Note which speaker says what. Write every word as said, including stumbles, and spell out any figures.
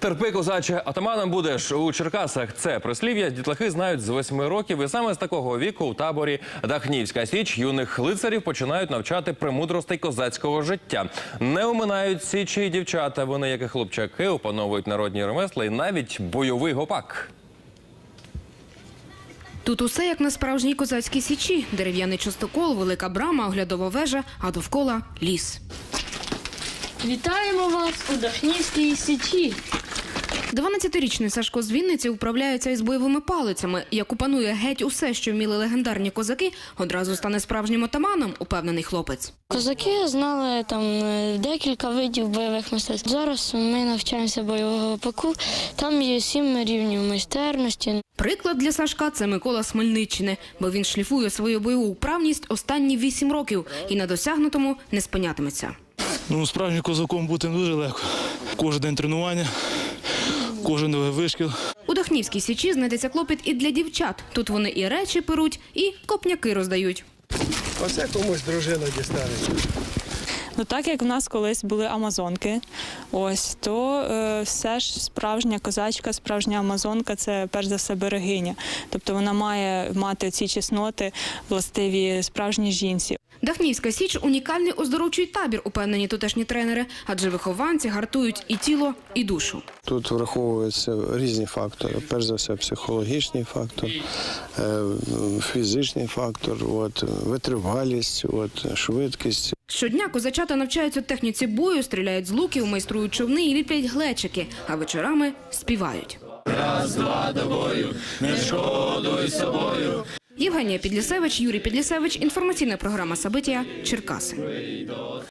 Speaker 1: Терпи, козаче, атаманом будеш. У Черкасах це прислів'я дітлахи знають з восьми років. І саме з такого віку у таборі Дахнівська Січ юних лицарів починають навчати премудростей козацького життя. Не оминають січі й дівчата. Вони, як і хлопчаки, опановують народні ремесла і навіть бойовий гопак.
Speaker 2: Тут усе як на справжній козацькій січі. Дерев'яний частокол, велика брама, оглядова вежа, а довкола – ліс.
Speaker 3: Вітаємо вас у Дахнівській Січі.
Speaker 2: дванадцятирічний Сашко з Вінниці управляється із бойовими палицями. Як опанує геть усе, що вміли легендарні козаки, одразу стане справжнім отаманом, упевнений хлопець.
Speaker 3: Козаки знали там декілька видів бойових мистецтв. Зараз ми навчаємося бойового гопаку. Там є сім рівнів майстерності.
Speaker 2: Приклад для Сашка – це Микола з Хмельниччини, бо він шліфує свою бойову вправність останні вісім років і на досягнутому не спинятиметься.
Speaker 4: Ну, справжнім козаком бути дуже легко. Кожен день тренування, кожен вишкіл.
Speaker 2: У Дахнівській Січі знайдеться клопіт і для дівчат. Тут вони і речі перуть, і копняки роздають.
Speaker 5: Оце комусь дружина дістанеться.
Speaker 6: Ну, так як в нас колись були амазонки, ось, то е, все ж справжня козачка, справжня амазонка – це перш за все берегиня. Тобто вона має мати ці чесноти, властиві справжній жінці.
Speaker 2: Дахнівська Січ – унікальний оздоровчий табір, упевнені тутешні тренери, адже вихованці гартують і тіло, і душу.
Speaker 5: Тут враховуються різні фактори. Перш за все, психологічний фактор, фізичний фактор, от, витривалість, от, швидкість.
Speaker 2: Щодня козачата навчаються техніці бою, стріляють з луків, майструють човни і ліплять глечики, а вечорами співають.
Speaker 4: Раз, два, до бою, не шкодуй собою.
Speaker 2: Євгенія Підлісевич, Юрій Підлісевич. Інформаційна програма «Сабиття», Черкаси.